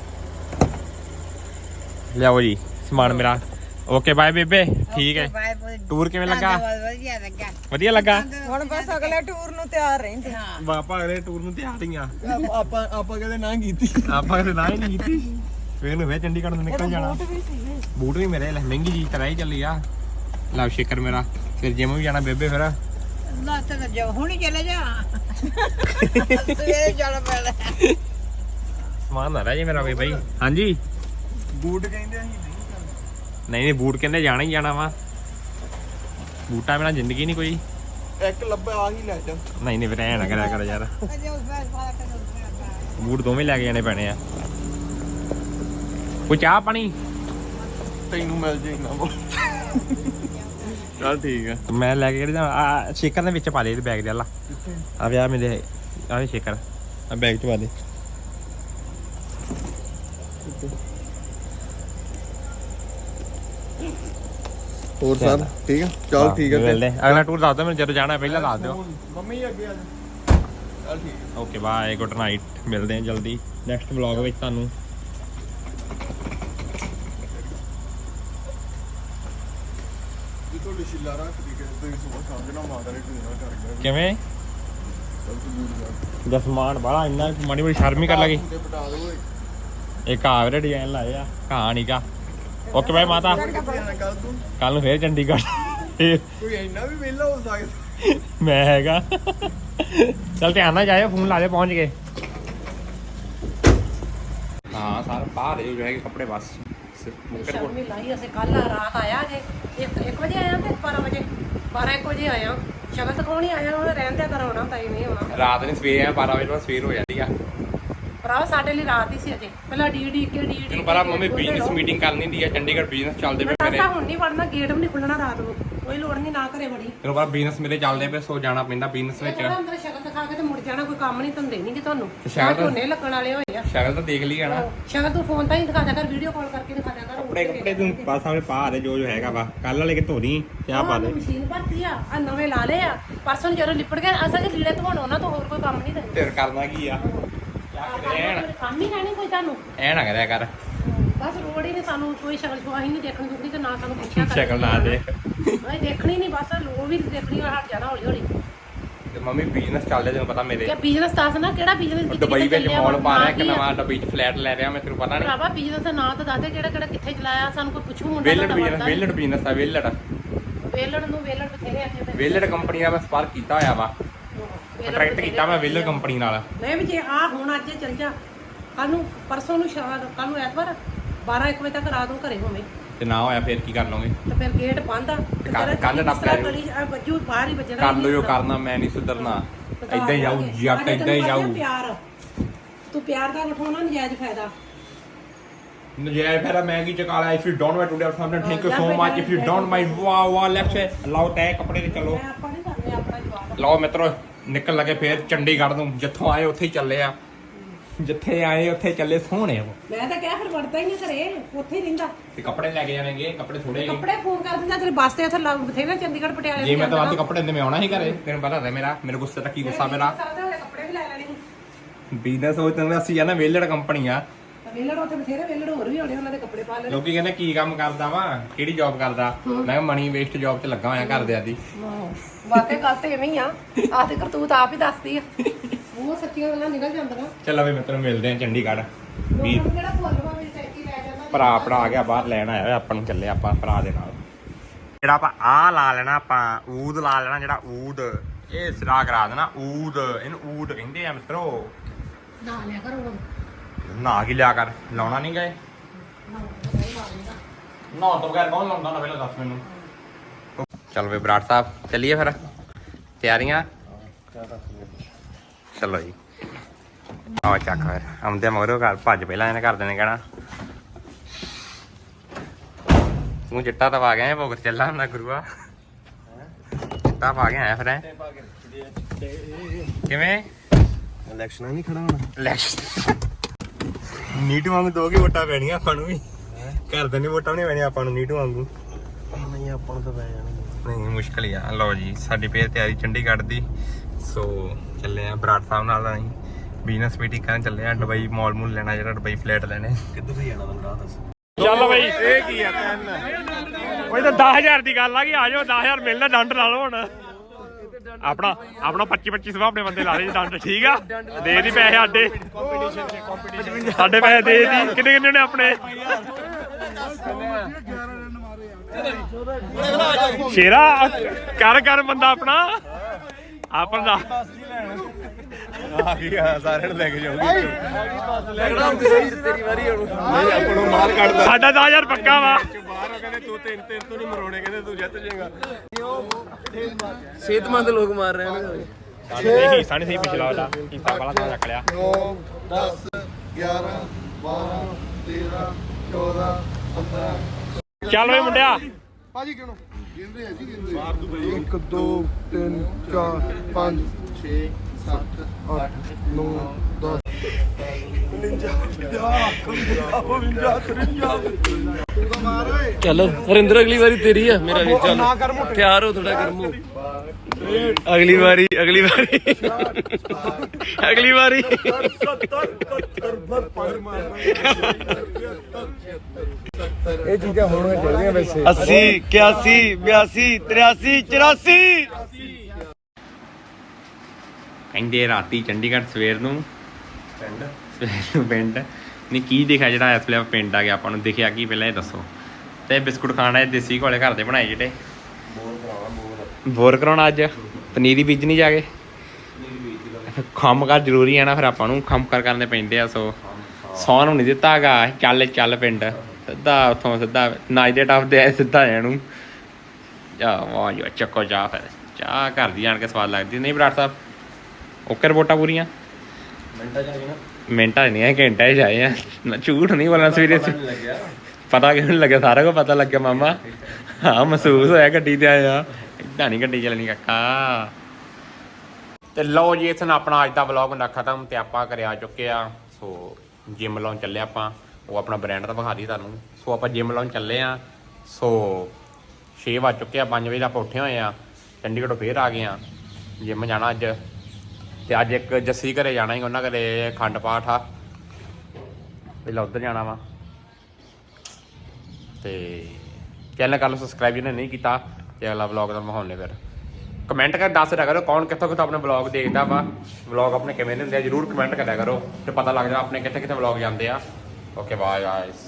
B: ਲਿਆਓ ਜੀ ਸਮਾਨ ਮੇਰਾ ਓਕੇ ਬਾਏ ਬੇਬੇ ਠੀਕ ਹੈ
A: ਬਾਏ ਬਾਏ
B: ਟੂਰ ਕਿਵੇਂ ਲੱਗਾ
A: ਵਧੀਆ ਲੱਗਾ
B: ਵਧੀਆ ਲੱਗਾ
C: ਹੁਣ ਬਸ ਅਗਲੇ ਟੂਰ ਨੂੰ ਤਿਆਰ ਰਹਿੰਦੇ
A: ਹਾਂ
B: ਬਾਪਾ ਅਗਲੇ ਟੂਰ ਨੂੰ ਤਿਆਰ ਹੀ ਆ
D: ਆਪਾਂ ਆਪਾਂ ਕਦੇ ਨਾ ਕੀਤੀ
B: ਆਪਾਂ ਕਦੇ ਨਾ ਹੀ ਨਹੀਂ ਕੀਤੀ ਫੇਰ ਨੂੰ ਵੇ ਚੰਡੀਗੜ੍ਹ ਨੂੰ ਨਿਕਲ ਜਾਣਾ ਬੂਟ ਵੀ ਮੇਰੇ ਲੈ ਮਹਿੰਗੀ ਜੀ ਤਰ੍ਹਾਂ ਹੀ ਚੱਲੀ ਆ ਲਵ ਸ਼ੇਕਰ ਮੇਰਾ ਫਿਰ ਜਿਮ ਵੀ ਜਾਣਾ ਬੇਬੇ ਫਿਰ
A: ਨਾ ਤਾਂ ਜਾ ਹੁਣੀ ਚਲੇ ਜਾ ਸਵੇਰੇ ਚੱਲ ਪੈਣਾ
B: ਸਮਾਨ ਨਾ ਰਹਿ ਜੇ ਮੇਰਾ ਵੀ ਬਾਈ ਹਾਂਜੀ
D: ਬੂਟ ਕਹਿੰਦੇ ਅਸੀਂ ਨਹੀਂ
B: ਨਹੀਂ ਨਹੀਂ ਬੂਟ ਕਹਿੰਦੇ ਜਾਣਾ ਹੀ ਜਾਣਾ ਵਾ ਬੂਟਾਂ ਬਿਨਾਂ ਜ਼ਿੰਦਗੀ ਨਹੀਂ ਕੋਈ
D: ਇੱਕ ਲੱਭਾ ਆ ਹੀ ਲੈ ਜਾ
B: ਨਹੀਂ ਨਹੀਂ ਫਿਰ ਐ ਨਾ ਕਰਿਆ ਕਰ ਯਾਰ
A: ਅਜੇ ਉਸ ਵਾਰ ਪਾਲਾ ਕਰ
B: ਬੂਟ ਦੋਵੇਂ ਲੈ ਕੇ ਜਾਣੇ ਪੈਣੇ ਆ ਕੋਈ ਚਾਹ ਪਾਣੀ
D: ਤੈਨੂੰ ਮਿਲ ਜੇ ਨਾ ਬੋਲ ਚੱਲ ਠੀਕ ਆ
B: ਮੈਂ ਲੈ ਕੇ ਕਿਹੜੇ ਆ ਸ਼ੇਕਰ ਦੇ ਵਿੱਚ ਪਾ ਦੇ ਇਹਦੇ ਬੈਗ ਦੇ ਅੱਲਾ ਆ ਵਿਆਹ ਮੇਰੇ ਆ ਸ਼ੇਕਰ ਆ ਬੈਗ ਚ ਪਾ ਦੇ
D: ਹੋਰ ਸਰ ਠੀਕ ਆ ਚਲ ਠੀਕ ਆ
B: ਮਿਲਦੇ ਅਗਲਾ ਟੂਰ ਦੱਸ ਦਿਓ ਮੈਨੂੰ ਜਦੋਂ ਜਾਣਾ ਪਹਿਲਾਂ ਦੱਸ ਦਿਓ
D: ਮੰਮੀ ਅੱਗੇ ਆ ਚਲ ਠੀਕ
B: ਓਕੇ ਬਾਏ ਗੁੱਡ ਨਾਈਟ ਮਿਲਦੇ ਹਾਂ ਜਲਦੀ ਨੈਕਸਟ ਵਲੌਗ ਵਿੱਚ ਤੁਹਾਨੂੰ
D: ਜੀ ਤੁਹਾਡੀ ਸ਼ਿਲਾ ਰੱਖਦੀ ਕਿ ਤੁਸੀਂ ਸੁਬਹ ਸਮਝਣਾ ਮਾਤਾ ਨੇ ਟੂਣਾ ਕਰ ਗਿਆ
B: ਕਿਵੇਂ
D: ਚਲ ਤੂੰ ਦੂਰ ਜਾ
B: ਦਸਮਾਨ ਬਾਲਾ ਇੰਨਾ ਮਾੜੀ ਬੜੀ ਸ਼ਰਮ ਹੀ ਕਰ ਲਗੀ
D: ਤੇ ਪਟਾ ਦੋ ਓਏ
B: ਇੱਕ ਆਵਰੇ ਡਿਜ਼ਾਈਨ ਲਾਏ ਆ ਕਹਾਣੀਗਾ ਓਕੇ ਬਾਏ ਮਾਤਾ
D: ਕੱਲ ਤੂੰ
B: ਕੱਲ ਨੂੰ ਫੇਰ ਚੰਡੀਗੜ੍ਹ
D: ਕੋਈ ਇੰਨਾ ਵੀ ਵਿਹਲਾ ਹੋ ਸਕਦਾ
B: ਮੈਂ ਹੈਗਾ ਚਲ ਧਿਆਨ ਨਾਲ ਜਾਇਓ ਫੋਨ ਲਾ ਦੇ ਪਹੁੰਚ ਗਏ ਹਾਂ ਸਾਰ ਬਾਹਰ ਜੋ ਹੈਗੇ ਕੱਪੜੇ ਬਸ
C: ਸ਼ਰਮੀ ਲਾਈ ਅਸੀਂ ਕੱਲ ਰਾਤ ਆਇਆ ਜੇ ਇੱਕ ਵਜੇ ਆਇਆ ਤੇ ਬਾਰਾਂ ਵਜੇ ਬਾਰਾਂ ਇੱਕ ਵਜੇ ਆਇਆ ਸ਼ਗਨ ਤਕਾਉਣੀ ਆਇਆ ਉਹ ਰਹਿੰਦਿਆ ਕਰਾਉਣਾ ਤਾਂ ਹੀ ਨਹੀਂ ਆਉਣਾ
B: ਰਾਤ ਨੇ ਸਵੇਰੇ ਆ ਬਾਰਾਂ ਵਜੇ ਬਾਅਦ ਸਵੇਰ ਹੋ ਜਾਂਦੀ ਆ
C: ਭਰਾ ਸਾਡੇ ਲਈ ਰਾਤ ਹੀ ਸੀ ਅਜੇ ਪਹਿਲਾਂ ਡੀ ਡੀ ਕੇ ਡੀ ਡੀ
B: ਤੈਨੂੰ ਪਤਾ ਮੰਮੀ ਬਿਜ਼ਨਸ ਮੀਟਿੰਗ ਕਰਨੀ ਹੁੰਦੀ ਆ ਚੰਡੀਗੜ੍ਹ ਬਿਜ਼ਨਸ ਚੱਲਦੇ ਪਏ ਮੇਰੇ
C: ਰਸਤਾ ਹੁਣ ਨਹੀਂ ਵੜਨਾ ਗੇਟ ਵੀ ਨਹੀਂ ਖੁੱਲਣਾ ਰਾਤ ਨੂੰ ਕੋਈ ਲੋੜ ਨਹੀਂ ਨਾ ਘਰੇ ਵੜੀ
B: ਤੈਨੂੰ ਪਤਾ ਬਿਜ਼ਨਸ ਮੇਰੇ ਚੱਲਦੇ ਪਏ ਸੋ ਜਾਣਾ ਪੈਂਦਾ ਬਿਜ਼ਨਸ ਵਿੱਚ
C: ਜਿਹੜਾ ਅੰਦਰ ਸ਼ਗਨ ਦਿਖਾ ਕੇ ਤੇ ਮੁੜ ਜਾਣਾ ਕੋਈ ਕੰਮ ਨਹੀਂ ਧੰਦੇ ਨਹੀਂ ਕਿ ਤੁਹਾਨੂੰ
B: ਸ਼ਗਨ ਤਾਂ-
C: ਝੋਨੇ ਲੱਗਣ ਵਾਲੇ ਹੋਏ ਆ
B: ਸ਼ਕਲ ਤਾਂ ਦੇਖ ਲਈ ਆ ਨਾ
C: ਸ਼ਗਨ ਤੂੰ ਫੋਨ ਤਾਂ ਹੀ ਦਿਖਾ ਦਿਆ ਕਰ ਵੀਡੀਓ ਕਾਲ ਕਰਕੇ ਦਿਖਾ ਦਿਆ ਕਰ
B: ਕੱਪੜੇ ਕੱਪੜੇ ਤੂੰ ਬਸ ਆਪਣੇ ਪਾ ਦੇ ਜੋ ਜੋ ਹੈਗਾ ਵਾ ਕੱਲ ਵਾਲੇ ਕਿ ਧੋਣੀ ਤੇ ਆ ਪਾ ਦੇ
C: ਮਸ਼ੀਨ ਭਰਤੀ ਆ ਆ ਨਵੇਂ ਲਾ ਲਏ ਆ ਪਰਸੋਂ ਨੂੰ ਜਦੋਂ ਲਿਪੜ ਗਏ ਅਸਾਂ ਜੇ ਲੀੜੇ ਧੋਣ ਉਹਨਾਂ ਤੋਂ ਹੋਰ ਕੋਈ ਕੰਮ ਨਹੀਂ ਦਿੰਦੇ
B: ਤੇਰ ਕਰਨਾ ਕੀ ਆ ਐਨ
C: ਕੰਮ ਹੀ ਨਹੀਂ ਕੋਈ ਤੁਹਾਨੂੰ
B: ਐ ਨਾ ਕਰਿਆ ਕਰ
C: ਬਸ ਲੋੜ ਹੀ ਨਹੀਂ ਸਾਨੂੰ ਕੋਈ ਸ਼ਕਲ ਸ਼ੁਆ ਹੀ ਨਹੀਂ ਦੇਖਣੀ ਦੁਖਦੀ ਤੇ ਨਾ ਸਾਨੂੰ ਪੁੱਛਿਆ ਕਰ
B: ਸ਼ਕਲ ਨਾ ਦੇ
C: ਨਹੀਂ ਦੇਖਣੀ ਨਹੀਂ ਬਸ ਲੋੜ ਵੀ ਨੀ ਦੇਖਣੀ ਹਟ ਜਾਣਾ ਹੌਲੀ ਹੌਲੀ
B: ਤੇ ਮੰਮੀ ਬਿਜ਼ਨਸ ਚੱਲਦੇ ਤੈਨੂੰ ਪਤਾ ਮੇਰੇ
C: ਕਿ ਬਿਜ਼ਨਸ ਦੱਸ ਨਾ ਕਿਹੜਾ ਬਿਜ਼ਨਸ
B: ਦੁਬਈ ਵਿੱਚ ਮਾਲ ਪਾ ਰਿਹਾ ਇੱਕ ਨਵਾਂ ਦੁਬਈ ਚ ਫਲੈਟ ਲੈ ਰਿਹਾ ਮੈਂ ਤੈਨੂੰ ਪਤਾ ਨਹੀਂ
C: ਭਰਾਵਾ ਬਿਜ਼ਨਸ ਦਾ ਨਾਂ ਤਾਂ ਦੱਸ ਦੇ ਕਿਹੜਾ ਕਿਹੜਾ ਕਿੱਥੇ ਚਲਾਇਆ ਸਾਨੂੰ ਕੋਈ ਪੁੱਛੂ ਮੁੰਡਾ
B: ਵੇਲੜ ਬਿਜ਼ਨਸ ਵੇਲੜ ਬਿਜ਼ਨਸ ਆ ਵੇਲੜ
C: ਵੇਲੜ ਨੂੰ ਵੇਲੜ ਬਥੇਰੇ ਆ ਤੇ
B: ਵੇਲੜ ਕੰਪਨੀ ਦਾ ਮੈਂ ਸਪਾਰਕ ਕੀਤਾ ਹੋਇਆ ਵਾ ਕੰਟਰੈਕਟ ਕੀਤਾ ਮੈਂ ਵੇਲੜ ਕੰਪਨੀ ਨਾਲ
C: ਨਹੀਂ ਵੀ ਜੇ ਆ ਹੁਣ ਅੱਜ ਚੱਲ ਜਾ ਕੱਲ ਨੂੰ ਪਰਸੋਂ ਨੂੰ ਸ਼ਾਮ ਕੱਲ ਨੂੰ ਐਤਵਾਰ ਬਾਰਾਂ ਇੱਕ ਵਜੇ ਤੱਕ ਰਾਤ ਨੂੰ ਘਰੇ ਹੋਵੇਂ
B: ਤੇ ਨਾ ਹੋਇਆ ਫੇਰ ਕੀ ਕਰ ਲਓਗੇ
C: ਤੇ ਫਿਰ ਗੇਟ ਬੰਦ ਆ ਤੇ
B: ਕੱਲ੍ਹ-
C: ਤੇਰਾ
B: ਕੱਲ੍ਹ ਨਾ
C: ਜਿਸ ਤਰ੍ਹਾਂ
B: ਪਿਆ
C: ਗਲੀ 'ਚ ਆ ਵੱਜੂ ਬਾਹਰ ਹੀ ਵੱਜਣਾ
B: ਕਰ ਲਓ ਜੋ ਕਰਨਾ ਮੈਂ ਨਹੀਂ ਸੁਧਰਨਾ ਏਦਾਂ ਹੀ ਜਾਊ ਜੱਟ ਏਦਾਂ ਹੀ ਜਾਊ
C: ਪਿਆਰ ਤੂੰ ਪਿਆਰ ਦਾ ਉਠਾਉਣਾ ਨਜਾਇਜ਼ ਫਾਇਦਾ
B: ਨਜਾਇਜ਼ ਫਾਇਦਾ ਮੈਂ ਕੀ ਚਕਾ ਲਿਆ if you don't want to do something thank you so much if you don't mind ਵਾ ਵਾ ਲੈਟਸ ਲਾਓ ਤੈ ਕੱਪੜੇ ਤੇ ਚਲੋ
C: ਮੈਂ ਆਪਾਂ ਨਹੀਂ ਕਰਨੇ ਆਪਣਾ ਜਵਾਬ
B: ਲਓ ਮਿੱਤਰੋ ਨਿਕਲ ਲਗੇ ਫੇਰ ਚੰਡੀਗੜ੍ਹ ਨੂੰ ਜਿੱਥੋਂ ਆਏ ਉੱਥੇ ਹੀ ਚੱਲੇ ਆ ਜਿੱਥੇ ਆਏ ਉੱਥੇ ਚੱਲੇ ਸੋਹਣੇ ਉਹ
C: ਮੈਂ ਤਾਂ ਕਿਹਾ ਫਿਰ ਵੜਦਾ ਹੀ ਨਹੀਂ ਘਰੇ ਉੱਥੇ ਹੀ ਰਹਿੰਦਾ
B: ਤੇ ਕੱਪੜੇ ਲੈ ਕੇ ਜਾਣਗੇ ਕੱਪੜੇ ਥੋੜੇ ਜਿਹੇ
C: ਕੱਪੜੇ ਫੋਨ ਕਰ ਦਿੰਦਾ ਤੇਰੇ ਬੱਸ ਤੇ ਉੱਥੇ ਲੱਗ ਬਥੇਰੇ ਚੰਡੀਗੜ੍ਹ ਪਟਿਆਲੇ
B: ਜੇ ਮੈਂ ਤਾਂ ਵੱਧ ਕੱਪੜੇ ਦਿੰਦੇ ਮੈਂ ਆਉਣਾ ਹੀ ਘਰੇ ਤੈਨੂੰ ਪਤਾ ਹੈ ਮੇਰਾ ਮੇਰੇ ਗੁੱਸੇ ਦਾ ਕੀ ਗੁੱਸਾ ਮੇਰਾ
C: ਕੱਪੜੇ ਵੀ ਲੈ ਲੈਣੇ ਸੀ
B: ਬਿਜ਼ਨਸ ਉਹ ਤੈਨੂੰ ਅਸੀਂ ਆ ਨਾ ਵੇਲੜ ਕੰਪਨੀ ਆ
C: ਵੇਲੜ ਉੱਥੇ ਬਥੇਰੇ ਵੇਲੜ ਹੋਰ ਵੀ ਹੋਣੇ ਉਹਨਾਂ ਦੇ ਕੱਪੜੇ ਪਾ ਲੈਣੇ
B: ਲੋਕੀ ਕਹਿੰਦੇ ਕੀ ਕੰਮ ਕਰਦਾ ਵਾ ਕਿਹੜੀ ਜੌਬ ਕਰਦਾ ਮੈਂ ਕਿਹਾ ਮਨੀ ਵੇਸਟ ਜੌਬ 'ਚ ਲੱਗਾ ਹੋਇਆ ਘਰਦਿਆਂ ਦੀ
C: ਵਾਕਈ ਗੱਲ ਤੇ ਐਵੇਂ ਹੀ ਆ ਆਹ ਤੇ ਕਰਤੂਤ ਆਪ ਹੀ ਦੱਸਦੀ ਆ ਉਹ ਸੱਚੀਆਂ ਗੱਲਾਂ ਨਿਕਲ ਜਾਂਦੀਆਂ
B: ਚੱਲ ਵੀ ਮਿੱਤਰ ਮਿਲਦੇ ਆ ਚੰਡੀਗੜ੍ਹ ਵੀ
C: ਲੋਕਾਂ ਨੂੰ ਜਿਹੜਾ ਭੁੱਲਵਾ ਮੇਰੀ ਟੈਂਕੀ ਲੈ ਜਾਂਦਾ
B: ਭਰਾ ਆਪਣਾ ਆ ਗਿਆ ਬਾਹਰ ਲੈਣ ਆਇਆ ਹੋਇਆ ਆਪਾਂ ਨੂੰ ਚੱਲੇ ਆਪਾਂ ਭਰਾ ਦੇ ਨਾਲ ਜਿਹੜਾ ਆਪਾਂ ਆ ਲਾ ਲੈਣਾ ਆਪਾਂ ਊਦ ਲਾ ਲੈਣਾ ਜਿਹੜਾ ਊਦ ਇਹ ਸਿਰਾ ਕਰਾ ਦੇਣਾ ਊਦ ਇਹਨੂੰ ਊਦ ਕਹਿੰਦੇ ਆ ਮਿੱਤਰੋ
C: ਨਾ ਲਿਆ ਕਰੋ ਹੁਣ
B: ਨਾ ਕੀ ਲਿਆ ਕਰ ਲਾਉਣਾ ਨਹੀਂ ਗਏ ਨਾ ਤੋਂ ਬਗੈਰ ਕੌਣ ਲਾਉਂਦਾ ਨਾ ਪਹਿਲਾਂ ਦੱਸ ਮੈਨੂੰ ਚੱਲ ਵੇ ਬਰਾੜ ਸਾਹਿਬ ਚੱਲੀਏ ਫਿਰ ਤਿਆਰੀਆਂ ਚਲੋ ਜੀ ਆਓ ਚੱਕ ਫਿਰ ਆਉਂਦੇ ਮਗਰੋਂ ਘਰ ਭੱਜ ਪਹਿਲਾਂ ਇਹਨੇ ਘਰਦੇ ਨੇ ਕਹਿਣਾ ਤੂੰ ਚਿੱਟਾ ਤਾਂ ਪਾ ਗਿਆ ਭੁੱਖ ਚੱਲਾ ਹੁੰਦਾ ਗੁਰੂਆ ਚਿੱਟਾ ਪਾ ਗਿਆ ਫਿਰ ਐ ਕਿਵੇਂ
D: ਇਲੈਕਸ਼ਨਾਂ ਨਹੀਂ ਖੜਾ ਹੋਣਾ
B: ਇਲੈਕਸ਼ਨ ਨੀਟੂ ਵਾਂਗੂ ਦੋ ਕੀ ਵੋਟਾਂ ਪੈਣੀਆਂ ਆਪਾਂ ਨੂੰ ਵੀ ਘਰਦੇ ਨਹੀਂ ਵੋਟਾਂ ਨਹੀਂ ਪੈਣੀਆਂ ਆਪਾਂ ਨੂੰ ਨੀਟੂ ਵਾਂਗੂ
D: ਨਹੀਂ ਆਪਾਂ ਨੂੰ ਤਾਂ ਪੈ ਜਾਣਾ
B: ਨਹੀਂ ਮੁਸ਼ਕਲ ਹੀ ਆ ਲਓ ਜੀ ਸਾਡੀ ਫੇਰ ਤਿਆਰੀ ਚੰਡੀਗੜ੍ਹ ਦੀ ਸੋ ਚੱਲੇ ਆ ਬਰਾੜ ਸਾਹਿਬ ਨਾਲ ਅਸੀਂ ਬਿਜ਼ਨਸ ਮੀਟਿੰਗ ਕਰਨ ਚੱਲੇ ਆ ਦੁਬਈ ਮਾਲ ਮੂਲ ਲੈਣਾ ਜਿਹੜਾ ਦੁਬਈ ਫਲੈਟ ਲੈਣੇ
D: ਕਿੱਧਰ ਦੀ ਜਾਣਾ ਮੈਨੂੰ ਰਾਹ ਦੱਸ
E: ਚੱਲ ਬਈ
D: ਇਹ ਕੀ ਆ ਤੈਨ
E: ਉਹ ਤਾਂ ਦਸ ਹਜ਼ਾਰ ਦੀ ਗੱਲ ਆ ਕਿ ਆ ਜਾਓ ਦਸ ਹਜ਼ਾਰ ਮਿਲਣਾ ਡੰਡ ਲਾ ਲਓ ਹੁਣ ਆਪਣਾ ਆਪਣਾ ਪੱਚੀ ਪੱਚੀ ਸੌ ਆਪਣੇ ਬੰਦੇ ਲਾ ਲਈ ਡੰਡ ਠੀਕ ਆ ਦੇ ਦੀ ਪੈਸੇ ਸਾਡੇ ਸਾਡੇ ਪੈਸੇ ਦੇ ਦੀ ਕਿੰਨੇ ਕਿੰਨੇ ਨੇ ਆਪਣੇ ਸ਼ੇਰਾ ਕਰ ਕਰ ਬੰਦਾ ਆਪਣਾ ਆਪਣਾ ਦਾ
D: ਆ ਗਿਆ ਸਾਰਿਆਂ ਨੂੰ ਲੈ ਕੇ ਜਾਊਗੀ ਲੱਗਣਾ ਤੇਰੀ ਵਾਰੀ ਹੁਣ ਨਹੀਂ ਆਪਾਂ ਨੂੰ ਮਾਰ ਕੱਢਦਾ
E: ਸਾਡਾ ਦਸ ਹਜ਼ਾਰ ਪੱਕਾ ਵਾ
D: ਬਾਹਰ ਉਹ ਕਹਿੰਦੇ ਤੂੰ ਤਿੰਨ ਤਿੰਨ ਤੋਂ ਨਹੀਂ ਮਰੋਣੇ ਕਹਿੰਦੇ ਤੂੰ ਜਿੱਤ ਜਾਏਗਾ ਸਿਹਤਮੰਦ ਲੋਕ ਮਾਰ ਰਹੇ ਨੇ
E: ਸਹੀ ਸਾਨੇ ਸਹੀ ਪਿਛਲਾ ਵਾਲਾ ਕੀਤਾ ਵਾਲਾ ਤਾਂ ਰੱਖ ਲਿਆ
D: ਨੌ ਦਸ ਗਿਆਰਾਂ ਬਾਰਾਂ ਤੇਰਾਂ ਚੌਦਾਂ ਪੰਦਰਾਂ
E: ਚੱਲ ਵੇ ਮੁੰਡਿਆ
D: ਭਾਜੀ ਕਿਉਂ ਗਿਣਦੇ ਆ ਜੀ ਗਿਣਦੇ ਮਾਰ ਦੂ ਬਈ ਇੱਕ ਦੋ ਤਿੰਨ ਚਾਰ ਪੰਜ ਛੇ ਸੱਤ ਅੱਠ ਨੌ ਦਸ
F: ਚੱਲ ਹਰਿੰਦਰ ਅਗਲੀ ਵਾਰੀ ਤੇਰੀ ਆ ਮੇਰਾ ਵੀ ਚੱਲ ਤਿਆਰ ਹੋ ਥੋੜਾ ਗਰਮੋ ਅਗਲੀ ਵਾਰੀ ਅਗਲੀ ਵਾਰੀ ਅਗਲੀ ਵਾਰੀ
D: ਇਹ ਚੀਜ਼ਾਂ ਹੋਣੀਆਂ ਚਾਹੀਦੀਆਂ ਵੈਸੇ
F: अस्सी इक्यासी बयासी तिरासी चौरासी
B: ਕਹਿੰਦੇ ਰਾਤੀ ਚੰਡੀਗੜ੍ਹ ਸਵੇਰ ਨੂੰ ਪਿੰਡ ਸਵੇਰ ਨੂੰ ਪਿੰਡ ਨਹੀਂ ਕੀ ਦਿਖਿਆ ਜਿਹੜਾ ਇਸ ਵੇਲੇ ਪਿੰਡ ਆ ਗਿਆ ਆਪਾਂ ਨੂੰ ਦਿਖਿਆ ਕੀ ਪਹਿਲਾਂ ਇਹ ਦੱਸੋ ਤੇ ਬਿਸਕੁਟ ਖਾਣਾ ਦੇਸੀ ਘੋਲੇ ਘਰ ਦੇ ਬਣਾਏ ਜਿਹੜੇ ਬੋਰ ਕਰਾਉਣਾ ਅੱਜ ਪਨੀਰੀ ਬੀਜਣੀ ਜਾ ਕੇ ਕੰਮ ਕਰ ਜ਼ਰੂਰੀ ਆ ਨਾ ਫਿਰ ਆਪਾਂ ਨੂੰ ਕੰਮ ਕਰ ਕਰਨੇ ਪੈਂਦੇ ਆ ਸੋ ਸੌਣ ਨੂੰ ਨਹੀਂ ਦਿੱਤਾ ਹੈਗਾ ਚੱਲ ਚੱਲ ਪਿੰਡ ਸਿੱਧਾ ਉੱਥੋਂ ਸਿੱਧਾ ਨਾਈ ਦੇ ਟੱਪਦੇ ਆਏ ਸਿੱਧਾ ਆਇਆ ਨੂੰ ਜਾ ਵਾਹ ਜੀ ਚੱਕੋ ਚਾਹ ਫਿਰ ਚਾਹ ਘਰ ਦੀ ਆਣ ਕੇ ਸਵਾਦ ਲੱਗਦੀ ਨਹੀਂ ਬਰਾੜ ਸਾਹਿਬ ਓਕੇ ਰਿਪੋਰਟਾਂ ਪੂਰੀਆਂ ਮਿੰਟਾਂ ਚ ਨਾ ਮਿੰਟਾਂ ਨਹੀਂ ਆ ਘੰਟਾ ਚ ਆਏ ਆ ਨਾ ਝੂਠ ਨਹੀਂ ਬੋਲਣਾ ਸਵੇਰੇ ਪਤਾ ਕਿਉਂ ਨਹੀਂ ਲੱਗਿਆ ਸਾਰਾ ਕੁਝ ਪਤਾ ਲੱਗਿਆ ਮਾਮਾ ਹਾਂ ਮਹਿਸੂਸ ਹੋਇਆ ਗੱਡੀ ਤੇ ਆਇਆ ਏਦਾਂ ਨਹੀਂ ਗੱਡੀ ਚੱਲਣੀ ਕਾਕਾ ਤੇ ਲਓ ਜੀ ਇਸ ਨਾਲ ਆਪਣਾ ਅੱਜ ਦਾ ਵਲੌਗ ਹੁੰਦਾ ਖਤਮ ਤੇ ਆਪਾਂ ਘਰੇ ਆ ਚੁੱਕੇ ਆ ਸੋ ਜਿਮ ਲਾਉਣ ਚੱਲੇ ਆਪਾਂ ਉਹ ਆਪਣਾ ਬ੍ਰਾਂਡ ਤਾਂ ਵਿਖਾ ਦੀ ਤੁਹਾਨੂੰ ਸੋ ਆਪਾਂ ਜਿਮ ਲਾਉਣ ਚੱਲੇ ਆ ਸੋ ਛੇ ਵੱਜ ਚੁੱਕੇ ਆ ਪੰਜ ਵਜੇ ਦਾ ਆਪਾਂ ਉੱਠੇ ਹੋਏ ਆ ਚੰਡੀਗੜ੍ਹੋਂ ਫੇਰ ਆ ਗਏ ਆ ਜਿਮ ਜਾਣਾ ਅੱਜ ਤੇ ਅੱਜ ਇੱਕ ਜੱਸੀ ਘਰੇ ਜਾਣਾ ਹੀ ਉਹਨਾਂ ਘਰੇ ਖੰਡ ਪਾਠ ਆ ਪਹਿਲਾਂ ਉੱਧਰ ਜਾਣਾ ਵਾ ਤੇ ਚੈਨਲ ਕਰ ਲਓ ਸਬਸਕ੍ਰਾਈਬ ਜਿਹਨੇ ਨਹੀਂ ਕੀਤਾ ਤੇ ਅਗਲਾ ਵਲੌਗ ਦਾ ਮਾਹੌਲ ਨੇ ਫਿਰ ਕਮੈਂਟ ਕਰ ਦੱਸ ਦਿਆ ਕਰੋ ਕੌਣ ਕਿੱਥੋਂ ਕਿੱਥੋਂ ਆਪਣੇ ਵਲੌਗ ਦੇਖਦਾ ਵਾ ਵਲੌਗ ਆਪਣੇ ਕਿਵੇਂ ਦੇ ਹੁੰਦੇ ਆ ਜਰੂਰ ਕਮੈਂਟ ਕਰਿਆ ਕਰੋ ਤੇ ਪਤਾ ਲੱਗ ਜਾ ਆਪਣੇ ਕਿੱਥੇ ਕਿੱਥੇ ਵਲੌਗ ਜਾਂਦੇ ਆ ਓਕੇ ਬਾਏ ਗਾਇਸ